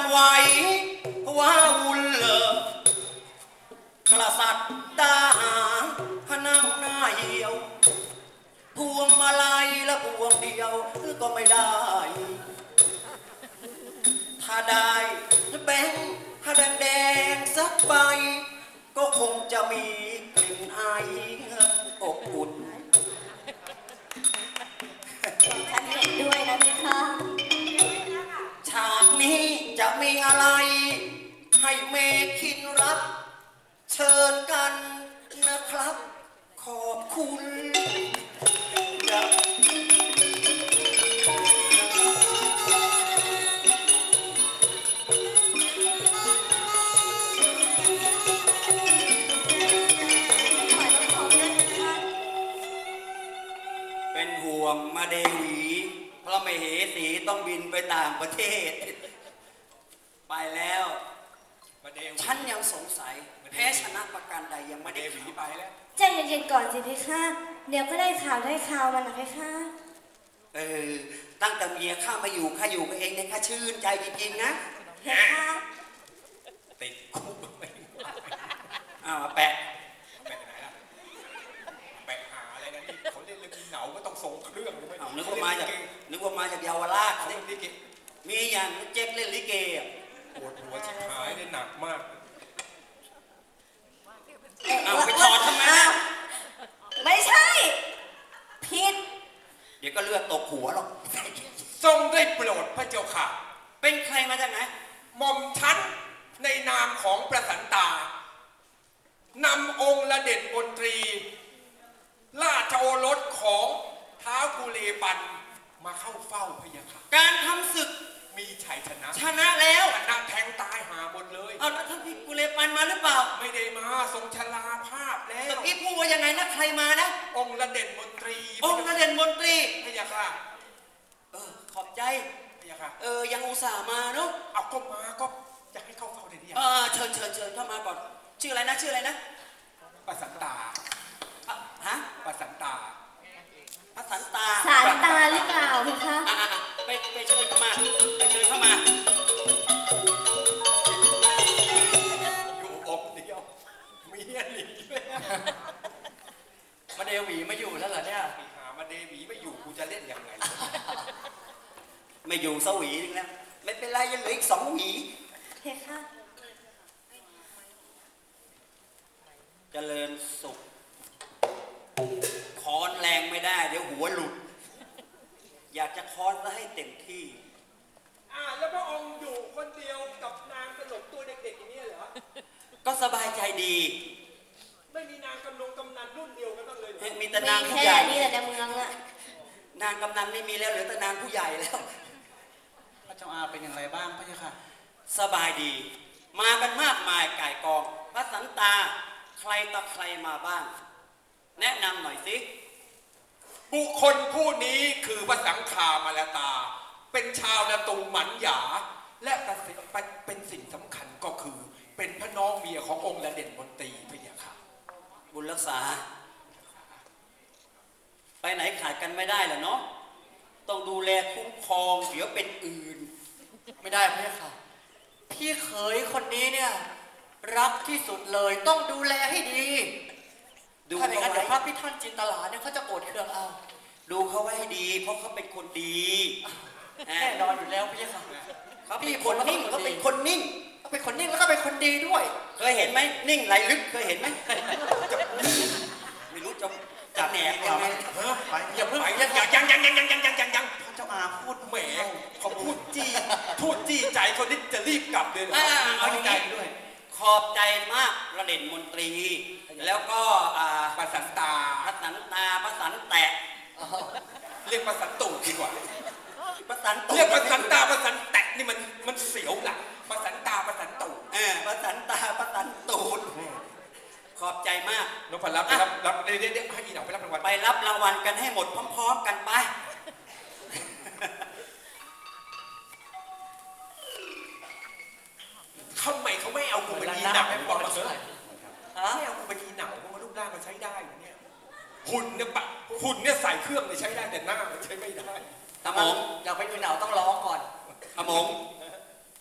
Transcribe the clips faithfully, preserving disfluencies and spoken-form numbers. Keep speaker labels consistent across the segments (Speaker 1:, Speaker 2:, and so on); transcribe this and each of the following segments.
Speaker 1: นไหวว้าวุ่นเลอกระสัดดาหานั่งหน้าเหี่ยวพวงมาลัยและพวงเดียวก็ไม่ได้ ถ้าได้แบงค์ถ้าแดงแดงสักใบก็คงจะมีกลิ่นไออบอุ่น
Speaker 2: ฉันเห็นด้วยนะพี่คะ
Speaker 1: ฉากนี้จะมีอะไรให้เมคินรับ เชิญกันนะครับ ขอบคุณครับเป็นห่วงมาเดวีเพราะไม่เหสีต้องบินไปต่างประเทศ ไปแล้ว
Speaker 3: มาเดวี
Speaker 1: ฉันยังสงสัยแพ้ชนะประการใดยังไม่
Speaker 3: มาเด
Speaker 1: ได้
Speaker 3: วี
Speaker 1: ข่าว
Speaker 3: ไปแล้ว
Speaker 2: ใจเย็นๆก่อนสิพี่คะเดี๋ยวก็ได้ข่าวได้ข่าวมันนะพี่คะ
Speaker 1: เออตั้งแต่เมียข้ามาอยู่ข้าอยู่กับเองเนี่ยข้าชื่นใจจริงๆนะ
Speaker 2: พี่คะ
Speaker 3: ติดคุกไป
Speaker 1: อ้าวแปะ
Speaker 3: แปะไหนล่ะแปะหาอะไรนะนี่เขาเล่นเรื่องเหนาก็ต้องส่งเครื่องเลยไหม
Speaker 1: อ้าวนึกว่ามาจากนึกว่ามาจากเยาวราช
Speaker 3: เขา
Speaker 1: สิ
Speaker 3: เล่นลิเก
Speaker 1: มีอย่างเจ๊กเล่นลิเกอ่ะ
Speaker 3: ปวดหัวชิบหายเลยหนักมาก
Speaker 1: อ้าวไปถอดทำไม
Speaker 2: อ้า
Speaker 1: นะ
Speaker 2: วไม่ใช่ผิด
Speaker 1: เดี๋ยวก็เลือดตกหัวหรอก
Speaker 3: ทรงได้โปรดพระเจ้าค่ะ
Speaker 1: เป็นใครมาจากไหน
Speaker 3: หม่อมชั้นในนามของประสันตานำองค์ละเด็ดมนตรี ราชโอรสของท้าวกุเลปันมาเข้าเฝ้าพระยาค่ะ
Speaker 1: การทำศึก
Speaker 3: มีชัยชนะ
Speaker 1: ชนะแล้ว
Speaker 3: ชนะแทงตายหาหมดเลย
Speaker 1: เอาแล้วท่านพี่กุเลปันมาหรือเปล่า
Speaker 3: ไม่ได้มาทรงชราภาพแล้
Speaker 1: ตะ
Speaker 3: ว
Speaker 1: กี้พูดว่ายังไงนะใครมานะ
Speaker 3: องค์ละเด่นมนตรี
Speaker 1: องค์นเด่นมนตรี
Speaker 3: พระยาค่ะ
Speaker 1: เออขอบใจ
Speaker 3: พระยาค่ะ
Speaker 1: เออยังอุตส่าห์มาเนาะ
Speaker 3: เอาก็มาก็จะให้เข้าเฝ้าได้เนี่ย
Speaker 1: เออเชิญเชิญเชิญเข้ามาก่อนชื่ออะไรนะชื่ออะไรนะ
Speaker 3: ประสันตา
Speaker 1: อ่ะฮะ
Speaker 3: ประสันตา
Speaker 1: พระสันตา
Speaker 2: สารตาหรือเปล่าพี่คะ
Speaker 1: อ่ะอ่ะอ่ะไปไปเชิญเข้ามาไปเชิญเข้ามา
Speaker 3: อยู่อกเดียวเมียหนีเลย
Speaker 1: มาเดวีมาอยู่แล้วเหรอเนี่ย
Speaker 3: ไปหามาเดวีไม่อยู่กูจะเล่นยังไง
Speaker 1: ไม่อยู่สวีนึงแล้วไม่เป็นไรยังเหลืออีกสองหวี
Speaker 2: พี่คะ
Speaker 1: เจริญสุขคอนแรงไม่ได้เดี๋ยวหัวหลุด อยากจะคอนซะให้เต็มที่
Speaker 3: อ่าแล้วพระองค์อยู่คนเดียวกับนางตลกตัวเด็กๆอย่างนี้เหรอ
Speaker 1: ก็สบายใจดี
Speaker 3: ไม่มีนางกำลงกำนันรุ่นเดียวกันบ้างเลยเหรอ
Speaker 1: มีแต่นาง
Speaker 2: มี
Speaker 1: ผู้
Speaker 2: แค่
Speaker 1: ใหญ่
Speaker 2: นี้แหละในเมืองอะ
Speaker 1: นางกำนันไม่มีแล้วเหลือแต่นางผู้ใหญ่แล้ว
Speaker 4: พระเจ้าอาเป็นอย่างไรบ้างพระเจ้าค่ะ
Speaker 1: สบายดี มากันมากมายก่ายกองพระสันตาใครต่อใครมาบ้าง แนะนำหน่อยสิ
Speaker 3: บุคคลผู้นี้คือพระสังฆามาลตา เป็นชาวนาตูหมันหยา และประสิทธิ์เป็นสิ่งสำคัญก็คือ เป็นพระน้องเมียขององค์ละเด่นมนตรีพระยาค่ะ
Speaker 1: บุญรักษา ไปไหนขาดกันไม่ได้เหรอเนาะต้องดูแลคุ้มครองเดี๋ยวเป็นอื่น
Speaker 4: ไม่ได้พระเจ้าค่ะ พี่เขยคนนี้เนี่ยรักที่สุดเลยต้องดูแลให้ดี
Speaker 1: ดู
Speaker 4: ถ้าอย่างนั้น
Speaker 1: เขาไว้
Speaker 4: เดี๋ยวพระพิทันจินตลาเนี่ยเขาจะโกรธเคืองเอา
Speaker 1: ดูเขาไว้ให้ดี เพราะเขาเป็นคนดี
Speaker 4: แน่นอนอยู่แล้วพระเจ้าค่ะ
Speaker 1: เขาเป็นคนนิ่งเขาเป็นคนนิ่ง
Speaker 4: เขาเป็นคนนิ่งแล้วก็เป็นคนดีด้วย
Speaker 1: เคยเห็นไหมนิ่งไหลลึกเคยเห็นไหมไม่รู้จะจะแหนกยังไง
Speaker 3: เฮ้ยไปอย่าเพิ่งไปยังยังยังยังยังยังยังยังยัง
Speaker 4: พระเจ้าอาพูด
Speaker 3: แหมเขาพูดจี้พูดจี้ใจคนนี้จะรีบกลับเลยเหรอ
Speaker 1: อ่า
Speaker 4: เอา
Speaker 1: เอา
Speaker 4: ใจ
Speaker 1: ใจ
Speaker 4: ด้วย
Speaker 1: ขอบใจมากระเด่นมนตรี แล้วก็อ่า
Speaker 3: ประสันตา
Speaker 1: พระสันตาพระสันแตะ
Speaker 3: เรียกประสันตูดดีกว่า
Speaker 1: พระสันตุ
Speaker 3: เรียกประสันตาประสันแตะนี่มันมันเสียวหลังประสันตาประสันตูด
Speaker 1: เออพระสันตาพระสันตูดขอบใจมาก
Speaker 3: นพรับรับรับเดี๋ยวเดี๋ยวให้อีหนังไปรับรางวัล
Speaker 1: ไปรับรางวัลกันให้หมดพร้อมๆกันไป
Speaker 3: ทำไมเขาไม่เอากูไปยีหนัง
Speaker 4: ไม่
Speaker 3: ไม่
Speaker 4: พ
Speaker 3: พ
Speaker 4: อ
Speaker 3: อ
Speaker 4: เท่าไหร่
Speaker 3: ไม่เอากูไปยีหนังเพราะว่ารูปร่างมันใช้ได้อยู่เนี่ยหุ่นเนี่ยปะหุ่นเนี่ยใส่เครื่องเลยใช้ได้แต่หน้ามันใช้ไม่ได้
Speaker 1: ตะหมง
Speaker 4: อยากไปดูหนาวต้องร้องก่อน
Speaker 1: ตะหมงเป็น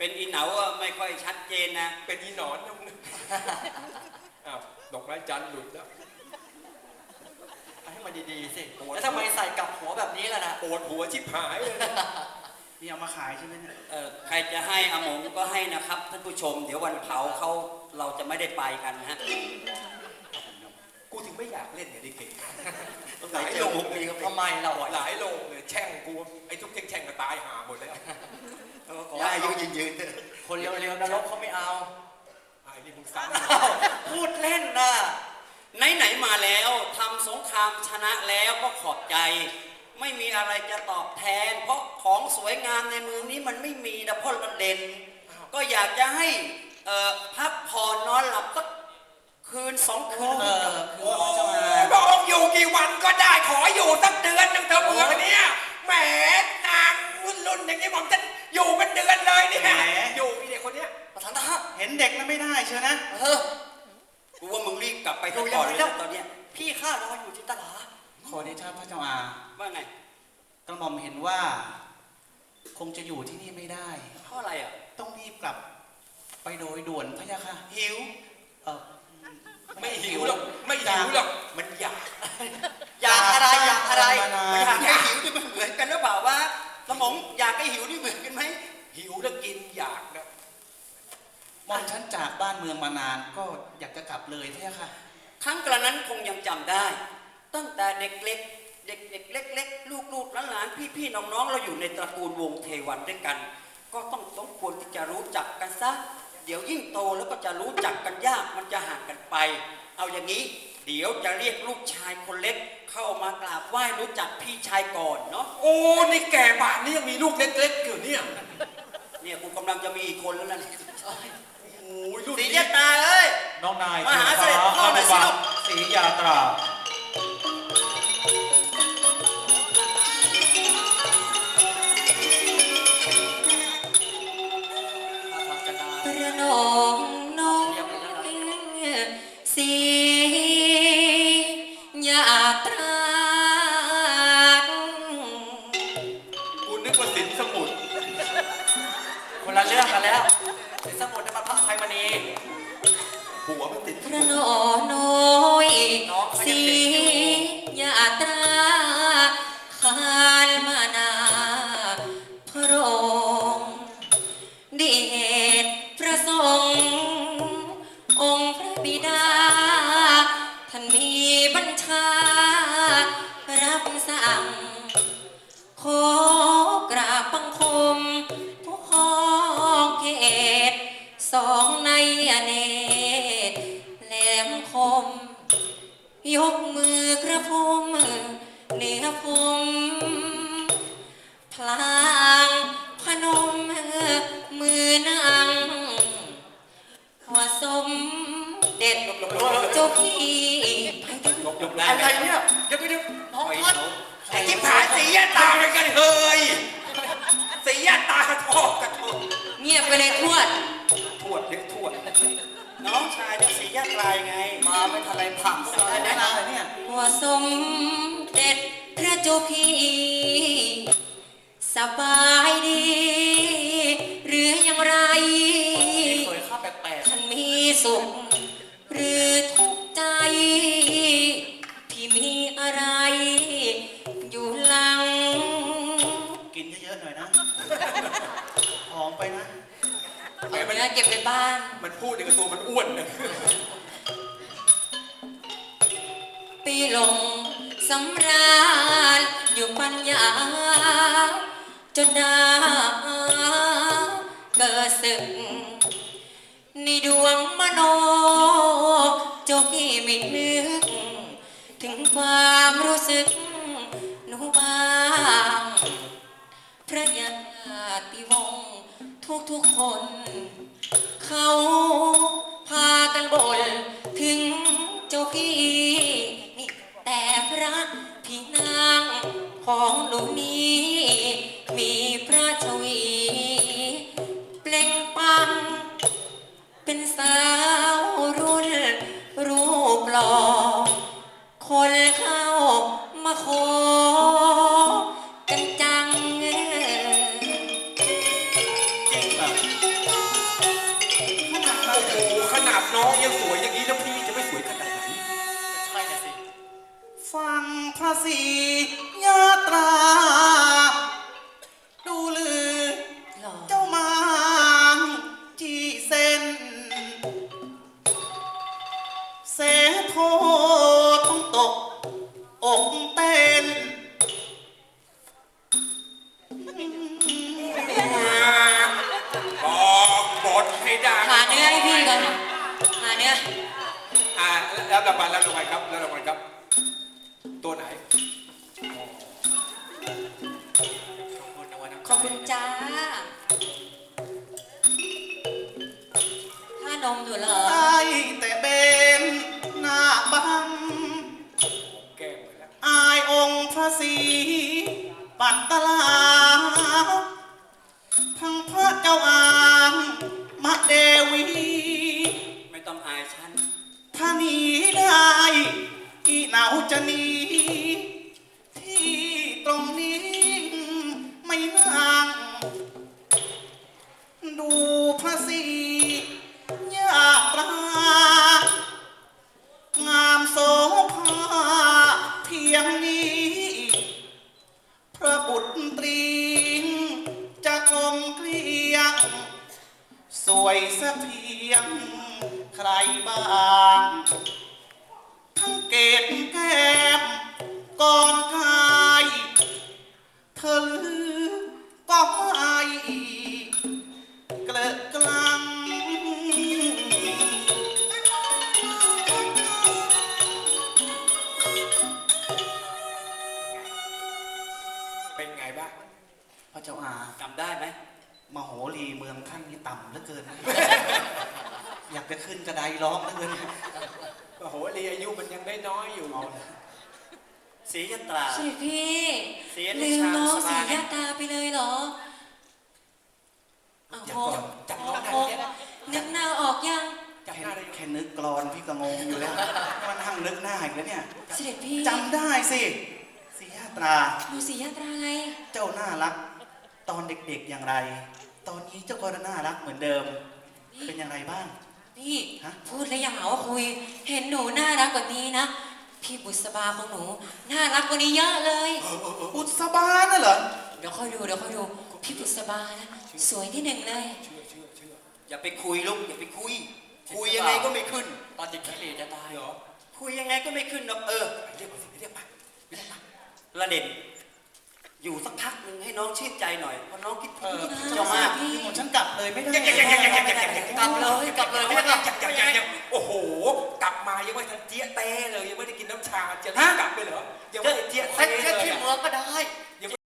Speaker 5: เป็นอีเหนาอะไม่ค่อยชัดเจนนะ
Speaker 3: เป็นอีหนอนนะมึงอ้าวดอกไม้จันทร์หลุดแล้ว
Speaker 4: ให้มันดีๆสิแล้วทำไมใส่กลับหัวแบบนี้ล่ะนะ
Speaker 3: ปวดหัวชิบหายเลย
Speaker 6: นี่เอามาขายใช่ไหมเนี่ย
Speaker 5: เออใครจะให้อาหมงก็ให้นะครับท่านผู้ชม เดี๋ยววันเผาเขาเราจะไม่ได้ไปกันนะฮะ
Speaker 3: กูถึงไม่อยากเล่นเนี่ยดิเก่ง
Speaker 5: หลายโลงมีครับ
Speaker 4: ทำไมเราอ่ะ
Speaker 3: หลายโลงเลยแช่งกูไอ้ทุกเท่งแช่งก็ตายหาหมดแล้ว
Speaker 5: ขอให้อายุยืนยืนเถอะ
Speaker 4: คนเร็วๆนรกเขาไม่เอา
Speaker 3: ไอ้นี่มึงซ้
Speaker 4: อ้าวพูดเล่นนะ
Speaker 5: ไหนๆมาแล้วทำสงครามชนะแล้วก็ขอบใจ ไม่มีอะไรจะตอบแทน เพราะของสวยงามในเมืองนี้มันไม่มีนะเพราะมันเด่น ก็อยากจะให้เอ่อพักผ่อนนอนหลับสักคืนสองคืน
Speaker 4: เออ
Speaker 3: ำโอ้ยพระองค์อยู่กี่วันก็ได้ขออยู่สักเดือนหนึงเถอะเมืองเนี้ยแหมนางรุ่นรุ่นอย่างนี้ผมจะอยู่เป็นเดือนเลยเนี่ยอยู่ไอ้เด็กคนเนี้ย
Speaker 4: ประธานทหาร
Speaker 6: เห็นเด็กนั้นไม่ได้เชียวนะ
Speaker 5: เออกูว่ามึงรีบกลับไปทุกก่อนเลยนะตอนเนี้ย
Speaker 4: พี่ข้ารออยู่ที่ตลาด
Speaker 6: ขอเดชะพระเจ้าอา
Speaker 5: ว่าไง
Speaker 6: กระหม่อมเห็นว่า คงจะอยู่ที่นี่ไม่ได้
Speaker 5: เพราะอะไรอ่ะ
Speaker 6: ต้องรีบกลับ ไปโดยด่วนพระยาค่ะ
Speaker 3: หิว
Speaker 6: เออ
Speaker 3: ไม่หิวหรอกไม่หิวหรอกมันอยาก
Speaker 5: อยากอะไรอยากอะไร
Speaker 6: มานาน
Speaker 5: อยากให้หิวนี่มันเหมือนกันหรือเปล่าวะสมองอยากให้หิวนี่เหมือนกันไหม
Speaker 3: หิวแล้วกินอยากนะ
Speaker 6: หม่อมฉันจากบ้านเมืองมานาน ก็อยากจะกลับเลยพระยาค่ะ
Speaker 5: ครั้งกระนั้นคงยังจำได้ ตั้งแต่เด็กเล็ก เด็กเด็กเล็กๆลูกๆหลานๆพี่ๆน้องๆเราอยู่ในตระกูลวงเทวันด้วยกัน ก็ต้องสมควรที่จะรู้จักกันซะเดี๋ยวยิ่งโตแล้วก็จะรู้จักกันยากมันจะห่างกันไป เอาอย่างนี้ เดี๋ยวจะเรียกลูกชายคนเล็ก เข้ามากราบไหว้รู้จักพี่ชายก่อนเนาะ
Speaker 3: โอ้นี่แก่ป่านนี้ยังมีลูกเล็กๆอยู่เนี่ย
Speaker 5: เนี่ยกูกำลังจะมีอีกคนแล้วนะเนี่ย
Speaker 3: โอ้ยรุ่น
Speaker 5: สี
Speaker 3: นี้
Speaker 5: เจตาเอ้ย
Speaker 6: น้องนาย
Speaker 5: มาหาเสด็จพ่อหน่อยสิลูก
Speaker 6: ศรียาตรา
Speaker 2: ประนองน้องสียาตรา
Speaker 3: กูนึกว่าสินสมุทร
Speaker 4: คนละเรื่องกันแล้วสินสมุทรนี่มันพระไพมณี
Speaker 3: หัวมันติด
Speaker 2: พระนอน้อยสียาตราขานมานาพระองค์เดชพระสงฆ์องค์พระบิดา ท่านมีบัญชา รับสั่ง ขอกราบบังคมผู้ครองเขตสองในอเนตรแหลมคม ยกมือกระผมเหนือผมพลางพนมมือนางว่าสมเด็จเจ้าพี่ไปกัน
Speaker 3: ยกยกได้
Speaker 4: อะไรเนี่ยเดี๋ยวเดี๋ยวน้องพัด
Speaker 3: ไอ้ที่ผายสียตาเป็นกันเฮยสียตากระทอกกระทอก
Speaker 2: เงียบไปเลยทวด
Speaker 3: ทวดเรียกทวด
Speaker 5: น้องชายจะสียาตรายไง
Speaker 4: มาไม่ทันไรผัก
Speaker 6: อะไรแนะนำเลยเนี่ย
Speaker 2: ว่าสมเด็จพระเจ้าพี่ สบายดี หรืออย่างไร
Speaker 4: สวยข้าแปลก
Speaker 2: ท่านมีสุข หรือทุกข์ใจ พี่มีอะไร อยู่หลัง
Speaker 6: กินเยอะๆหน่อยนะหอมไปนะ
Speaker 3: แหม
Speaker 2: เอา
Speaker 3: มัน
Speaker 2: เนื้อเก็บในบ้าน
Speaker 3: มันพูดอย่างกับตัวมันอ้วนนะ
Speaker 2: ปีลงสำราญอยู่ปัญญา จนดาเกิดศึกในดวงมโนเจ้าพี่ไม่นึก ถึงความรู้สึกหนูบ้าง พระญาติวงศ์ทุกๆคน เขาพากันบ่นถึงเจ้าพี่นี่แต่พระพี่นางของหนูนี้ มีพระชวี เปล่งปลังเป็นสาวรุ่นรูปหล่อคนเข้ามาขอกันจัง
Speaker 6: จริงแบบ
Speaker 3: น้องยังสวยอย่างนี้แล้วพี่จะไม่สวยขนาดไหน
Speaker 4: ใช่น่ะสิ
Speaker 6: ฟังพระศรียาตรา ดูลือ
Speaker 2: หล่อ
Speaker 6: เจ้ามาจีเส้น เสโทต้องตก อกเต้น
Speaker 3: บอกบทให้ดัง
Speaker 2: หาเนื้อให้พี่ก่อนหาเนื้อ
Speaker 3: อ่าแล้วรางวัลแล้วรางวัลครับแล้วรางวัลครับ ตัวไหน
Speaker 2: ขอบคุณจ้าถ้านมอยู่เหรอ
Speaker 6: ได้แต่เบนหน้าบัง
Speaker 3: แก้มไปแล้ว
Speaker 6: อายองค์พระศรีปัตตลา ทั้งพระเจ้าอางมะเดวี
Speaker 5: ไม่ต้องอายฉัน
Speaker 6: ถ้าหนีได้อีเหนาจะหนี ที่ตรงนี้ไม่นั่ง ดูพระศรียาตรา งามโสภาเพียงนี้ พระบุตรีจะกลมเกลียง สวยสักเพียงใครบ้าง ทั้งเกศแก้มก่อนกายเธอลือก็ไม่เกลอะกลัง
Speaker 3: เป็นไงบ้าง
Speaker 6: พระเจ้าอา
Speaker 5: จำได้ไหม
Speaker 6: มโหรีเมืองท่านนี่ต่ำเหลือเกิน อยากจะขึ้นกระไดร้องเหลือเกิน
Speaker 3: โอ้โหลีอายุมันยังได้น้อยอยู่
Speaker 5: ศรียตรา
Speaker 2: สิพี่
Speaker 5: เสีย
Speaker 2: ลืมน้อง
Speaker 5: ส
Speaker 2: สี
Speaker 5: บาย
Speaker 2: ยาตาไปเลยเหรอโอ้
Speaker 6: อย่า
Speaker 2: โห
Speaker 6: ก่อน
Speaker 3: จำน้องได้
Speaker 2: โอ้
Speaker 3: ไหม
Speaker 2: นึกหน้าออกยัง
Speaker 3: จำห
Speaker 6: แค่
Speaker 3: น้าได้ไหม
Speaker 6: แค่นึกกรอนพี่ก็งงอยู่แล้ว มันทั้งนึกหน้าอีกแล้วเนี่ย
Speaker 2: เสด็จพี่
Speaker 6: จำได้สิสียาตรา
Speaker 2: ดูสียาตราไง
Speaker 6: เจ้าน่ารัก ตอนเด็กๆอย่างไร ตอนนี้เจ้าก็น่ารักเหมือนเดิม เป็นอย่างไรบ้าง
Speaker 2: พี่
Speaker 6: ฮะ
Speaker 2: พูดแล้วอย่าหาว่าคุย เห็นหนูน่ารักกว่านี้นะ พี่บุษบาของหนู น่ารักกว่านี้เยอะเลย
Speaker 6: อุตสบาน่ะเหรอ
Speaker 2: เดี๋ยวค่อยดูเดี๋ยวค่อยดู พี่บุษบานะ สวยที่หนึ่งเลย
Speaker 3: เชื่อเชื่อเชื่อ
Speaker 5: อย่าไปคุยลูกอย่าไปคุย คุยยังไงก็ไม่ขึ้น
Speaker 4: ตอนเด็กขี้เหร่จะตาย
Speaker 3: เหรอ
Speaker 5: คุยยังไงก็ไม่ขึ้นหรอกเออ
Speaker 3: ไปเรียกมาสิไปเรียกมาไปเรียกมา
Speaker 5: ระเด็นอยู่สักพักหนึ่งให้น้องชื่นใจหน่อยเพราะน้องคิดถึง
Speaker 6: เออ
Speaker 5: เจ้ามาก
Speaker 2: พี่
Speaker 6: คือผมฉันกลับเลยไม่ได้
Speaker 2: กลับเลยกลับเลย
Speaker 3: ยังยังยังยังยังโอ้โห กลับมายังไม่ทันเจี๊ยะเต้เลยยังไม่ได้กินน้ำชาจะรีบกลับไปเหรอยังไม่ได้เจี๊ยะ
Speaker 4: แค่
Speaker 3: เต้
Speaker 4: แค่
Speaker 3: เลย
Speaker 4: ที่
Speaker 3: อะ
Speaker 4: เมืองก็ได้